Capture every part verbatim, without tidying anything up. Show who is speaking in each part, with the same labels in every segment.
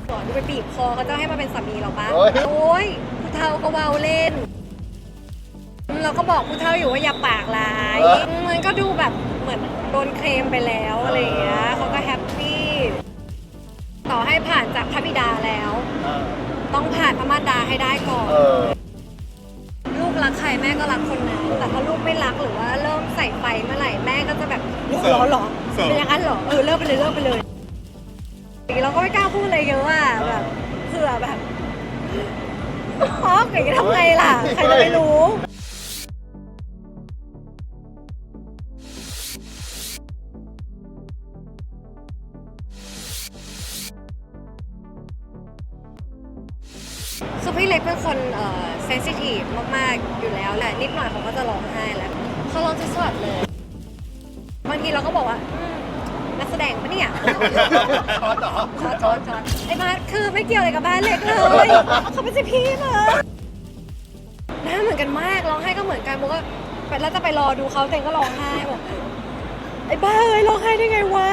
Speaker 1: ก่อนจะไปบีบคอเขาจะให้มาเป็นสามีเราปะ
Speaker 2: โอ้ย
Speaker 1: โอ้ยผู้เฒ่าก็เว้าเล่น เราก็บอกผู้เฒ่าอยู่ว่าอย่าปากร้ายมันก็ดูแบบเหมือนโดนเคลมไปแล้วอะไรอย่างเงี้ยเขาก็แฮปปี้ต่อให้ผ่านจากพระบิดาแล้ว ต้องผ่านพระมารดาให้ได้ก่อน
Speaker 2: เออ
Speaker 1: ลูกรักใครแม่ก็รักคนนั้นแต่ถ้าลูกไม่รักหรือว่าเริ่มใส่ไฟเมื่อไหร่แม่ก็จะแบบหรอหรอเป็นอย่างนั้นหรอเออเลิกไปเลยเลิกไปเลยเราก็ไม่กล้าพูดอะไรเยอะอ่ะแบบเผื่อแบบอ๋อเก๋ทำไงล่ะใครจะไปรู้คือพี่เล็กเป็นคนเอ่อเซนซิทีฟมากๆอยู่แล้วแหละนิดหน่อยเขาก็จะร้องไห้แล้วเขาร้องจะสวดเลยบางทีเราก็บอกว่าอืมนักแสดงปะเนี่ยช็อตช็อตช็อตช็อตไอ้บ้านคือไม่เกี่ยวอะไรกับบ้านเล็กเลยเขาไม่ใช่พี่เลยหน้าเหมือนกันมากร้องไห้ก็เหมือนกันโมก็แล้วจะไปรอดูเขาแต่ก็ร้องไห้บอกไอ้บ้าเอ้ยร้องไห้ได้ไงวะ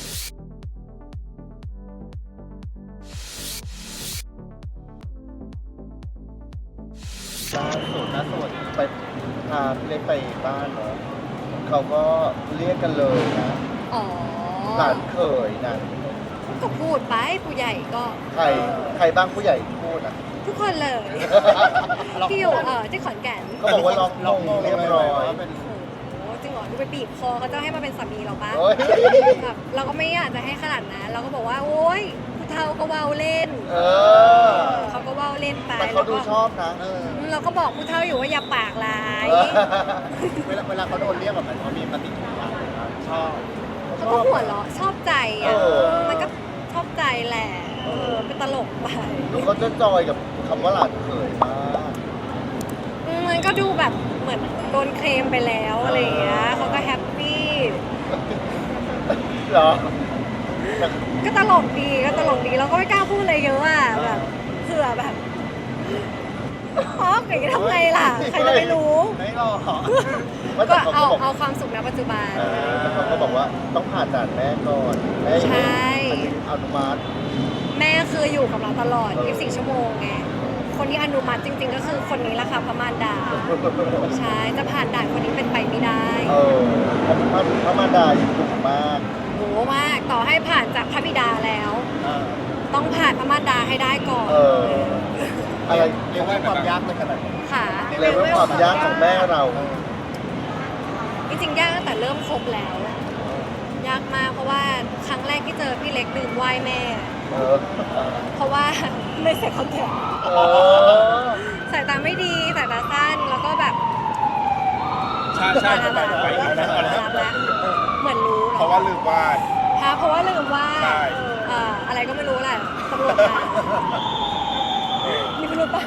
Speaker 2: ล่าสุดล่าสุดไปพาพี่เล็กไปบ้านเนาะเขาก็เรียกกันเลยนะ
Speaker 1: อ๋อ
Speaker 2: หลานเขยนะ
Speaker 1: ก็พูดไปผู้ใหญ่ก็
Speaker 2: ใครใครบ้างผู้ใหญ่พูดอ่ะ
Speaker 1: ทุกคนเลยที่อยู่เออที่ขอนแก่น
Speaker 2: ก็บอกว่าล็อกมงเรียบร้อย
Speaker 1: โอ้จริงเหรอดูไปบีบคอเขาจะให้มาเป็นสามีเราปะ
Speaker 2: โอ้ย
Speaker 1: แบบเราก็ไม่อยากจะให้ขนาดนั้นเราก็บอกว่าโอ๊ยผู้เฒ่าก็เว้าเล่น
Speaker 2: เออ
Speaker 1: เขาก็เว้าเล่นไป
Speaker 2: แต่เขาดูชอบนะเออ
Speaker 1: เราก็บอกผู้เฒ่าอยู่ว่าอย่าปากร้าย
Speaker 2: เวลาเวลาเขาโดนเรียกแบบนั้นเขามีปฏิกิริยาชอบ
Speaker 1: เขาก็หัวเราะชอบใจอ่ะ
Speaker 2: เออ
Speaker 1: มันก็ชอบใจแหละเออเป็นตลกไป
Speaker 2: เขาจะจอยกับคำว่าหลานเขยมาก
Speaker 1: มันก็ดูแบบเหมือนโดนเคลมไปแล้วอะไรอย่างเงี้ยเขาก็แฮปปี้
Speaker 2: เหรอ
Speaker 1: ก็ตลกดีก็ตลกดีเราก็ไม่กล้าพูดอะไรเยอะอ่ะแบบเผื่อแบบอ๋อเก๋ทำไงล่ะใครจะไปรู้
Speaker 2: ไม่หรอก
Speaker 1: ก็เอาเอาความสุขณปัจจุบัน
Speaker 2: เออแต่เขาก็บอกว่าต้องผ่านด่านแม่ก่อนแม่
Speaker 1: ใช่
Speaker 2: อนุมัติ
Speaker 1: แม่คืออยู่กับเราตลอดยี่สิบสี่ชั่วโมงไงคนที่อนุมัติจริงๆ ก็คือคนนี้แหละค่ะพระมารดาใช่จะผ่านด่านคนนี้เป็นไปไม่ได้
Speaker 2: เออพระพระพระมารดายังดุมาก
Speaker 1: โหมากต่อให้ผ่านจากพระบิดาแล้ว
Speaker 2: อ่า
Speaker 1: ต้องผ่านพระมารดาให้ได้ก่อน
Speaker 2: เออ อะไรเรียกว่าความยากในขนาดนี้
Speaker 1: ค่ะ
Speaker 2: เรียกว่าความยากของแม่เรา
Speaker 1: จริงๆยากตั้งแต่เริ่มคบแล้ว ยากมากเพราะว่าครั้งแรกที่เจอพี่เล็กลืมไหว้แม่
Speaker 2: เออ
Speaker 1: เพราะว่าไม่ใส่คอนแทค
Speaker 2: เออ
Speaker 1: สายตาไม่ดีสายตาสั้นแล้วก็แบบ
Speaker 3: ใช่ใช่
Speaker 1: รับ
Speaker 3: ไป
Speaker 1: แล้ว
Speaker 3: ไปไปไป
Speaker 1: รับแล้วเหมือนรู้
Speaker 3: เพราะว่าลืมวาด
Speaker 1: ฮะเพราะว่าลืมว่า
Speaker 3: ใช่
Speaker 1: เอ่ออะไรก็ไม่รู้แหละตำรวจมามีพิรุธปะ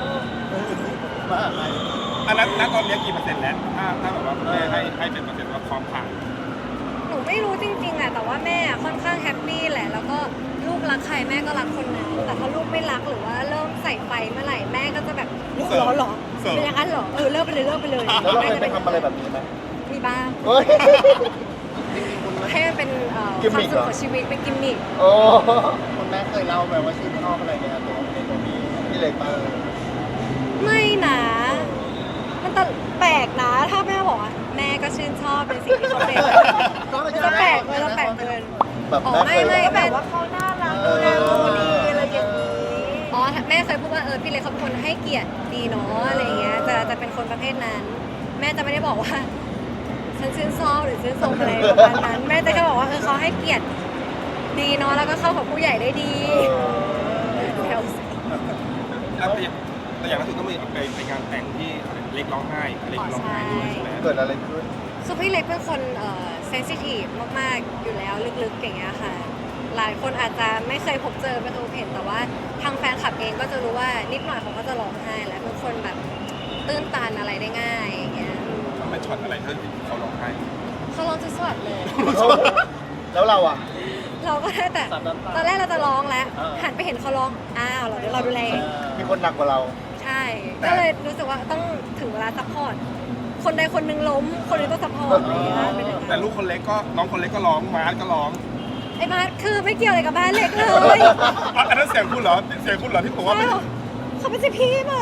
Speaker 3: อันนั้นณตอนนี้กี่เปอร์เซ็นต์แล้ว ถ้าถ้าแบบว่าแม่ให้ให้เป็นเปอร์เซ็นต์ว่าพร้อมผ่าน
Speaker 1: หนูไม่รู้จริงๆอะแต่ว่าแม่ค่อนข้างแฮปปี้แหละแล้วก็ลูกรักใครแม่ก็รักคนนั้นแต่ถ้าลูกไม่รักหรือว่าเริ่มใส่ไฟเมื่อไหร่แม่ก็จะแบบหรอหรอเป็นอย่างนั้นหรอเออเลิกไปเลยเลิกไปเลย
Speaker 2: แล้วเราเคยไปทำอะไรแบบนี้ไหม
Speaker 1: มีบ้าง
Speaker 2: เฮ้ย
Speaker 1: ให้มันเป็นเอ่อ
Speaker 2: กิม
Speaker 1: ควา
Speaker 2: มิ
Speaker 1: ม
Speaker 2: ค
Speaker 1: สุ
Speaker 2: เหร
Speaker 1: ข
Speaker 2: อ
Speaker 1: ของชีวิตเป็นกิมมิค
Speaker 2: โอ้คุณแม่เคยเล่าไปว่าชื่นชอบอะไรในตัวในตัวนี้พี่เล็กบ้าง
Speaker 1: ไม่นะมันตลแปลกนะถ้าแม่บอกว่าแม่ก็ชื่นชอบเป็นสิ่งที่เขาเป็นมันจะแปลกเลยจะแปลกเกิน
Speaker 2: แบบ
Speaker 1: อ๋อ
Speaker 2: แม่
Speaker 1: ไม่
Speaker 2: เคย
Speaker 1: ไม่
Speaker 2: เล่า
Speaker 1: แบบว่าเขาน่ารักดูแลเราดีอะไรอย่างนี้อ๋อแม่เคยพูดว่าเออพี่เล็กเขาเป็นคนให้เกียรติดีเนาะอะไรอย่างเงี้ยจะจะเป็นคนประเภทนั้น แม่จะไม่ได้บอกว่าฉันชื่นชอบหรือชื่นชมอะไรประมาณนั้นแม่จะแค่บอกว่าเออเขาให้เกียรติดีเนาะแล้วก็เข้ากับผู้ใหญ่ได้ดีแถว
Speaker 3: แล้วแต่อย่างแต่อย่างล่าสุดก็มีไปไปงานแต่งที่อะไรเล็กร้องไห้เล็กร้องไห้ด้วยใช่ไหม
Speaker 2: เกิดอะไรขึ้น
Speaker 1: คือพี่เล็กเป็นคนเอ่อเซนซิทีฟมากๆอยู่แล้วลึกๆอย่างเงี้ยค่ะหลายคนอาจจะไม่เคยพบเจอไม่เคยเห็นแต่ว่าทางแฟนคลับเองก็จะรู้ว่านิดหน่อยเขาก็จะร้องไห้และเป็นคนแบบตื้นตันอะไรได้ง่ายอย่างเงี้ย
Speaker 3: มันเป็นช็อตอะไรที่เขาร้องไห้
Speaker 1: เขาร้องจะสวดเลย
Speaker 2: แล้วเราอ่ะ
Speaker 1: เราก็ได้แต่ตอนแรกเราจะร้องแล้วหันไปเห็นเขาร้องอ้าวเราเดี๋ยวเราดูแล
Speaker 2: มีคนหนักกว่าเรา
Speaker 1: ใช่ ก็เลยรู้สึกว่าต้องถึงเวลาซัพพอร์ตคนใดคนหนึ่งล้มคนหนึงต้องซัพพอร์ตอะไรอย่างเงี้ยเป็นอย่างนั้น
Speaker 3: แต่ลูกคนเล็กก็น้องคนเล็กก็ร้องมาร์ทก็ร้อง
Speaker 1: ไอ้มาร์ทคือไม่เกี่ยวอะไรกับบ้านเล็กเลย
Speaker 3: อ่ะอันนั้นเสียงคุณเหรอเสียงคุณเหรอที่บอกว่า
Speaker 1: ใช่
Speaker 3: เป็น
Speaker 1: หรอเขาไม่ใช่พี่มึง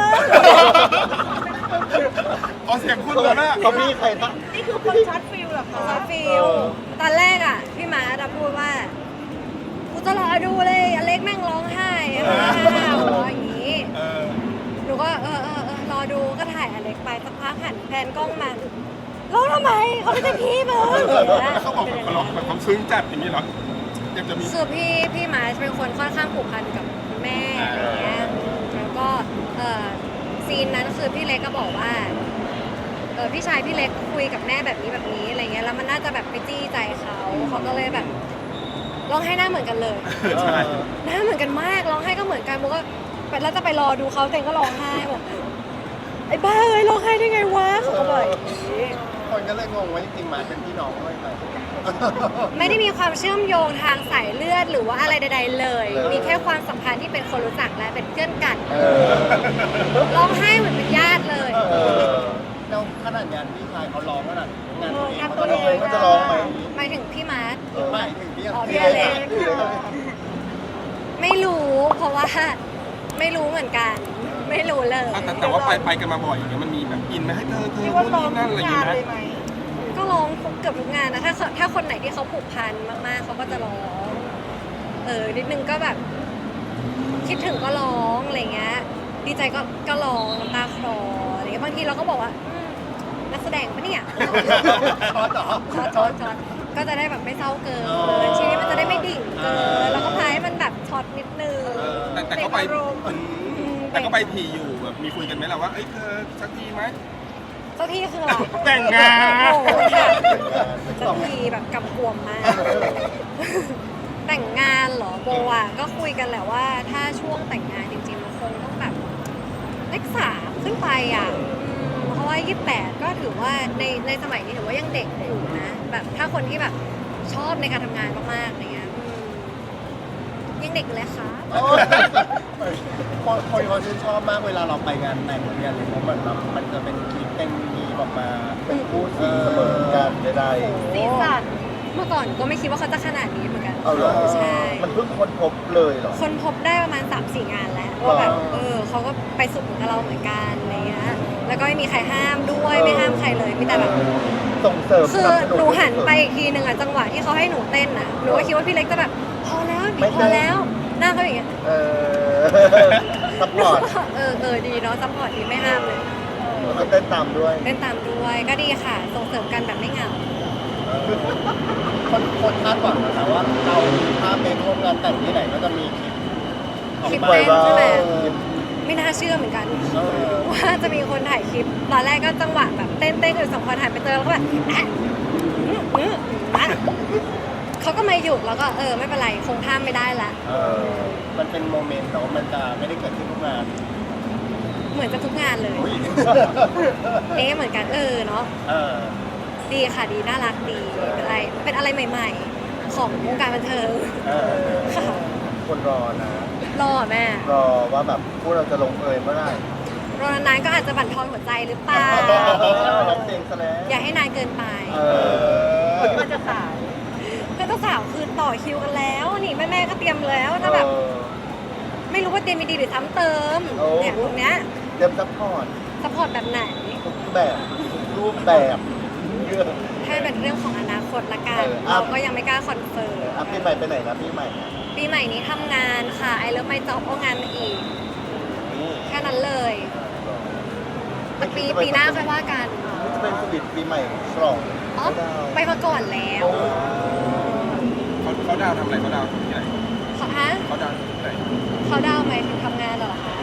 Speaker 3: อ๋อเสียงคุณเหรอนะ
Speaker 2: เขามีใครนะ
Speaker 4: นี่คือคนช็อตฟิลเหรอคะ
Speaker 1: ซอฟิลตอนแรกอ่ะ พี่มาร์ทพูดว่ากูจะรอดูเลยอเล็กแม่งร้องไห้ร้องอย่างนี้
Speaker 3: เออ
Speaker 1: หนูก็เออเออเออรอดูก็ถ่ายอเล็กไปสักพักหันแพนกล้องมาร้องทำไมเขาไม่ใช่พี่มึง
Speaker 3: เขาบอกแบบเขาร้องแบบความซึ้งจัดอย่างนี้เหรอยังจะมี
Speaker 1: คือพี่พี่มาร์ชเป็นคนค่อนข้างผูกพันกับคุณแม่อะไรเงี้ยแล้วก็เออซีนนั้นคือพี่เล็กก็บอกว่าเออพี่ชายพี่เล็กคุยกับแม่แบบนี้แบบนี้อะไรเงี้ยแล้วมันน่าจะแบบไปจี้ใจเขาเขาก็เลยแบบร้องไห้หน้าเหมือนกันเลย
Speaker 3: ใช่
Speaker 1: หน้าเหมือนกันมากร้องไห้ก็เหมือนกันโมก็ไปแล้วจะไปรอดูเขาแต่ก็ร้องไห้บอกไอ้บ้าเอ้ยร้องไห้ได้ไงวะเขาก็บอกอย่างนี้
Speaker 2: คนก็เลยงงว่าจริงๆมาเป็นพี่น้องด้วยไหม
Speaker 1: ไม่ได้มีความเชื่อมโยงทางสายเลือดหรือว่าอะไรใดๆเลย
Speaker 2: เออ
Speaker 1: มีแค่ความสัมพันธ์ที่เป็นคนรู้จักและเป็นเพื่อนกัน
Speaker 2: เออ
Speaker 1: ร้องไห้เหมือนเป็นญาติเลย
Speaker 2: เออแล้วขนาดงานพี่ชายเขาร้องขนาดงานตัวเองเขาจะร้องเขาจะร้องไหม
Speaker 1: หมายถึงพี่มาร์ท
Speaker 2: เออไม่ถึงพี่
Speaker 1: อ๋อพี่
Speaker 2: พี่
Speaker 1: อเล็ก
Speaker 2: พี่อเล็ก
Speaker 1: ไม่รู้เพราะว่าไม่รู้เหมือนกัน ไม่รู้เลย
Speaker 3: อ่ะแต่แต่ว่าไปไปกันมาบ่อยอย่างเงี้ยมันมีแบบอินไหมให้เธอเธอ
Speaker 4: เรียก
Speaker 3: นู่
Speaker 4: ว่าน ร้อง
Speaker 3: นี่นั่น
Speaker 4: ทุ
Speaker 3: อะไร
Speaker 4: ก
Speaker 3: อย่าง
Speaker 4: งาน
Speaker 3: เงี้ย
Speaker 4: เลยไหม
Speaker 1: ก็ร้องเกือบทุกงานนะถ้าถ้าคนไหนที่เขาผูกพันมากๆเขาก็จะร้อง เออนิดนึงก็แบบ คิดถึงก็ร้องอะไรเงี้ยดีใจก็ก็ร้องน้ำตาคลออะไรเงี้ยบางทีเราก็บอกว่าอืมนักแสดงปะเนี่ย
Speaker 2: ช็อตเหรอ
Speaker 1: ช็อตช็อตช็อตก็จะได้แบบไม่เศร้าเกินชีวิตมันจะได้ไม่ดิ่งเกินแล้วก็พายให้มันแบบช็อตนิดนึง
Speaker 3: แต่แต่ก็ไป
Speaker 1: เบรกอารมณ์
Speaker 3: อืมแต่ก็ไปทีอยู่แบบมีคุยกันไหมล่ะว่าเอ้ยเธอสักทีไหม
Speaker 1: เจ้าที่คืออะไร
Speaker 3: แต่งงาน
Speaker 1: โอ้โหค่ะเจ้าที่แบบกำกวมมาก แต่งงานเหรอโบอ่ะก็คุยกันแหละว่าถ้าช่วงแต่งงานจริงๆมันคงต้องแบบเลขสามขึ้นไปอ่ะอืมเพราะว่ายี่สิบแปดก็ถือว่าในในสมัยนี้ถือว่ายังเด็กอยู่นะแบบถ้าคนที่แบบชอบในการทำงานมากๆอะไรเงี้ยอืมยังเด็กอยู่เลยค่ะ
Speaker 2: โอ้ยคนคนเขาชื่นชอบมากเวลาเราไปงานแต่งงานเลยเพราะมันแบบมันจะเป็นคลิปเป็นมีออกมาเป็นคู่สีเสมอกันได้
Speaker 4: สีสัน
Speaker 1: เมื่อก่อนก็ไม่คิดว่าเขาจะขนาดนี้เหมือนกัน
Speaker 2: เอาเหรอ
Speaker 1: ใช่
Speaker 2: มันเพิ่งค้นพบเลยเหรอ
Speaker 1: คนพบได้ประมาณ สามสี่ งานแล้วว่าแบบ
Speaker 2: อ๋อ
Speaker 1: เออเขาก็ไปสุดเหมือนกับเราเหมือนกันอะไรเงี้ยแล้วก็ไม่มีใครห้ามด้วย
Speaker 2: เออ
Speaker 1: ไม่ห้ามใครเลยมีแต่แบบ
Speaker 2: ส่งเสริม
Speaker 1: คือ
Speaker 2: สบส
Speaker 1: หนูหันไปอีกทีหนึ่งอะจังหวะที่เขาให้หนูเต้นน่ะหนูก็คิดว่าพี่เล็กจะแบบพอแล้ว
Speaker 2: ไม่
Speaker 1: พ
Speaker 2: เต้
Speaker 1: อน แล้วหน้าเขาอย่างเงี้ย
Speaker 2: เออซัพพอร์ต
Speaker 1: เออเออดีเนาะซัพพอร์ตดีไม่ห้ามเลย
Speaker 2: แล้วก็เต้นตามด้วย
Speaker 1: เต้นตามด้วยก็ดีค่ะส่งเสริมกันแบบไม่เหงา
Speaker 2: คนคนคาดหวังนะว่าเราถ้าเป็นร่วมงานแต่งที่ไหนก็จะมีคลิปออก
Speaker 1: คลิป
Speaker 2: ไป
Speaker 1: เต้นใช่ไหม
Speaker 2: เออ
Speaker 1: ไม่น่าเชื่อเหมือนกัน
Speaker 2: เออ
Speaker 1: ว่าจะมีคนถ่ายคลิปตอนแรกก็จังหวะแบบเต้นเต้นอยู่สองคนถ่ายไปเจอแล้วก็แบบอ่ะอื้ออื้ออ่ะเขาก็ไม่หยุดแล้วก็เออไม่เป็นไรคงห้ามไม่ได้ละ
Speaker 2: เออมันเป็นโมเมนต์เนาะมันจะไม่ได้เกิดขึ้นทุกงาน
Speaker 1: เหมือนจะทุกงานเลย
Speaker 2: อุ้ย
Speaker 1: เอ๊ะเหมือนกันเออเนาะ
Speaker 2: เออ
Speaker 1: ดีค่ะดีน่ารักดีเป็นอะไรเป็นอะไรใหม่ ๆ ของวงการบันเทิง
Speaker 2: เออ
Speaker 1: ค่ะ
Speaker 2: คนรอนะ
Speaker 1: รอแม่
Speaker 2: รอว่าแบบพวกเราจะลงเอยเมื่อไหร่
Speaker 1: รอนานๆก็อาจจะบั่นทอนหัวใจหรือเปล่า
Speaker 2: ร้องเพลงซะแล้ว
Speaker 1: อย่าให้นานเกินไป
Speaker 2: เออ
Speaker 4: มันจะสาย
Speaker 1: เพื่อนเจ้าสาวคือต่อคิวกันแล้ว นี่แม่ๆก็เตรียมแล้วถ้าแบบ ไม่รู้ว่าเตรียมมีดีหรือซ้ำเติม
Speaker 2: โอ้
Speaker 1: เนี่ยตรงเนี้ย
Speaker 2: เตรียมซัพพอร์ต
Speaker 1: สปอร์ตแบบไหน
Speaker 2: ทุกแบบทุกรูปแบบ
Speaker 1: ให้เป็นเรื่องของอนาคตละกัน
Speaker 2: เอออ่ะ
Speaker 1: เราก็ยังไม่กล้าคอนเฟิร์ม
Speaker 2: อ่ะปีใหม่ไปไหนนะปีใหม่
Speaker 1: ปีใหม่นี้ทำงานค่ะไอเลิฟไม่จอบเอางานมาอีก แค่นั้นเลยแต่ปีปีหน้าค่อยว่ากัน
Speaker 2: จะเป็นสวิตปีใหม่ฉลอง
Speaker 1: อ๋อไปมาก่อนแล้ว
Speaker 3: เขาเขาดาวทำอะไรเขาดาวที่ไหน
Speaker 1: เขาฮะ
Speaker 3: เขาดาวที่ไหน
Speaker 1: เขาดาวน์ไหมถึงทำงานเหรอคะ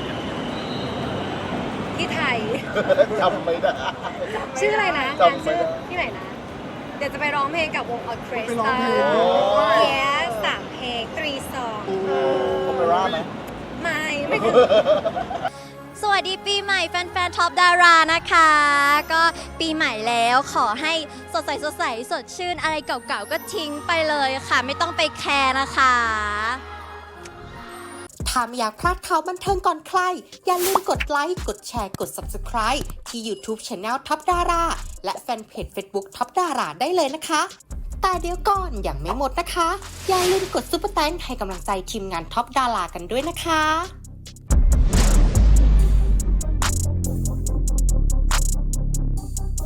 Speaker 1: ที่ไทย
Speaker 2: จำไม่ได้
Speaker 1: ชื่ออะไรนะ
Speaker 2: จำ
Speaker 1: งาน
Speaker 2: ไม่
Speaker 1: ชื่อ
Speaker 2: ได้
Speaker 1: ที่ไหนนะ เดี๋ยวจะไปร้องเพลงกับวงออเคส
Speaker 3: ไปร้
Speaker 1: ต
Speaker 3: อง
Speaker 1: รา
Speaker 3: เพลง
Speaker 1: เยสสามเพลงตรีสอง
Speaker 2: โอเปร่าไหม
Speaker 1: ไม่ไม่ถึง
Speaker 5: สวัสดีปีใหม่แฟนๆท็อปดารานะคะ ก็ปีใหม่แล้วขอให้สดใสสดใสสดชื่นอะไรเก่าๆก็ทิ้งไปเลยค่ะ ไม่ต้องไปแคร์นะคะ
Speaker 6: ถ้าไม่อยากพลาดข่าวบันเทิงก่อนใคร อย่าลืมกดไลค์ กดแชร์ กด ซับสไครบ์ ที่ YouTube Channel ท็อปดาราและแฟนเพจ Facebook ท็อปดาราได้เลยนะคะ แต่แต่เดี๋ยวก่อนยังไม่หมดนะคะ อย่าลืมกดซุปเปอร์แตงให้กำลังใจทีมงานท็อปดารากันด้วยนะคะ